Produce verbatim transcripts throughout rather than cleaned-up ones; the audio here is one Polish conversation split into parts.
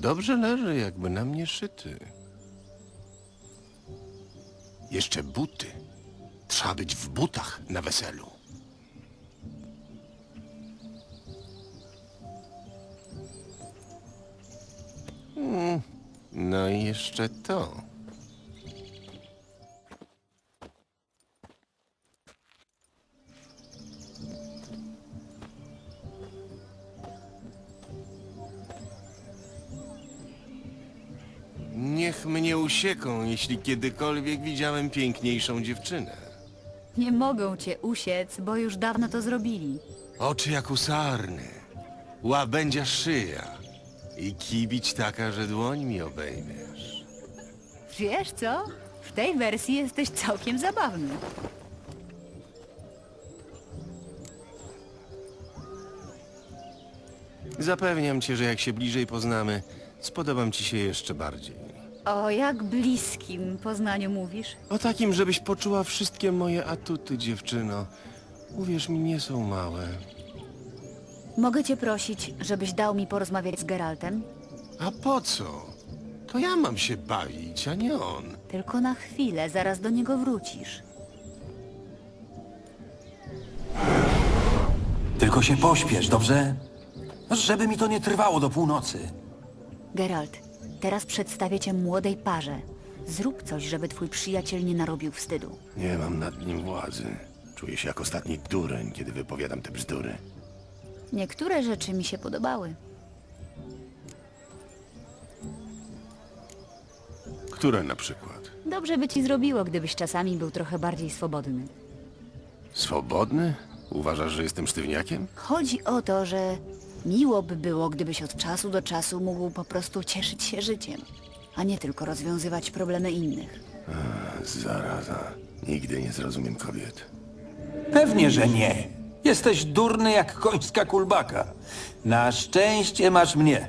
Dobrze leży, jakby na mnie szyty. Jeszcze buty. Trzeba być w butach na weselu. Mm, no i jeszcze to. Niech mnie usieką, jeśli kiedykolwiek widziałem piękniejszą dziewczynę. Nie mogą cię usiec, bo już dawno to zrobili. Oczy jak u sarny, łabędzia szyja i kibić taka, że dłoń mi obejmiesz. Wiesz co? W tej wersji jesteś całkiem zabawny. Zapewniam cię, że jak się bliżej poznamy, spodobam ci się jeszcze bardziej. O jak bliskim Poznaniu mówisz? O takim, żebyś poczuła wszystkie moje atuty, dziewczyno. Uwierz mi, nie są małe. Mogę cię prosić, żebyś dał mi porozmawiać z Geraltem? A po co? To ja mam się bawić, a nie on. Tylko na chwilę, zaraz do niego wrócisz. Tylko się pośpiesz, dobrze? Żeby mi to nie trwało do północy. Geralt, teraz przedstawię cię młodej parze. Zrób coś, żeby twój przyjaciel nie narobił wstydu. Nie mam nad nim władzy. Czuję się jak ostatni dureń, kiedy wypowiadam te bzdury. Niektóre rzeczy mi się podobały. Które na przykład? Dobrze by ci zrobiło, gdybyś czasami był trochę bardziej swobodny. Swobodny? Uważasz, że jestem sztywniakiem? Chodzi o to, że miło by było, gdybyś od czasu do czasu mógł po prostu cieszyć się życiem, a nie tylko rozwiązywać problemy innych. Zaraza. Nigdy nie zrozumiem kobiet. Pewnie, że nie. Jesteś durny jak końska kulbaka. Na szczęście masz mnie.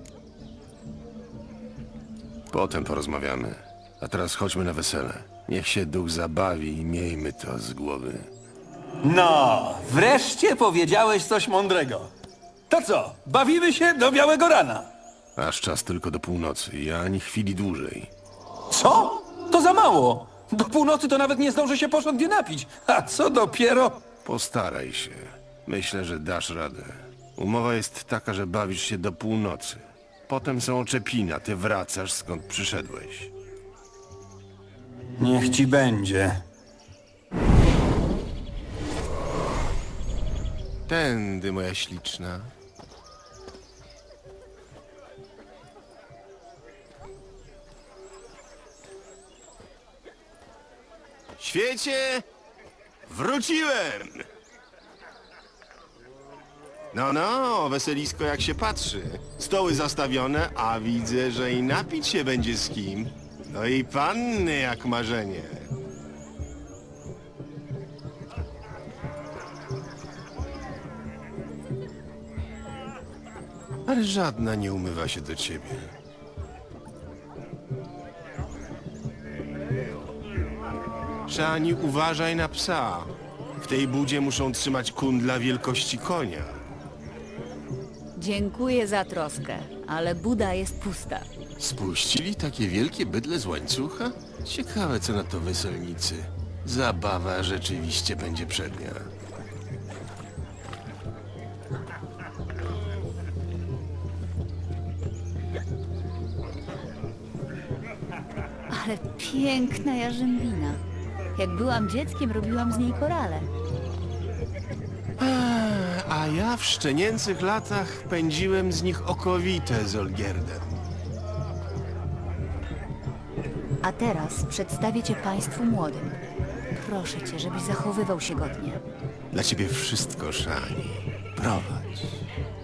Potem porozmawiamy. A teraz chodźmy na wesele. Niech się duch zabawi i miejmy to z głowy. No, wreszcie powiedziałeś coś mądrego. To co, bawimy się do białego rana? Aż czas tylko do północy i ani chwili dłużej. Co? To za mało. Do północy to nawet nie zdążę się porządnie napić. A co dopiero... Postaraj się. Myślę, że dasz radę. Umowa jest taka, że bawisz się do północy. Potem są oczepina, ty wracasz skąd przyszedłeś. Niech ci będzie. Tędy, moja śliczna. Świecie! Wróciłem! No, no, weselisko jak się patrzy. Stoły zastawione, a widzę, że i napić się będzie z kim. No i panny jak marzenie. Ale żadna nie umywa się do ciebie. Szani, uważaj na psa. W tej budzie muszą trzymać kundla wielkości konia. Dziękuję za troskę, ale buda jest pusta. Spuścili takie wielkie bydle z łańcucha? Ciekawe, co na to weselnicy. Zabawa rzeczywiście będzie przednia. Ale piękna jarzębina. Jak byłam dzieckiem, robiłam z niej korale. A ja w szczenięcych latach pędziłem z nich okowite z Olgierdem. A teraz przedstawię cię państwu młodym. Proszę cię, żebyś zachowywał się godnie. Dla ciebie wszystko, Szani. Prowadź.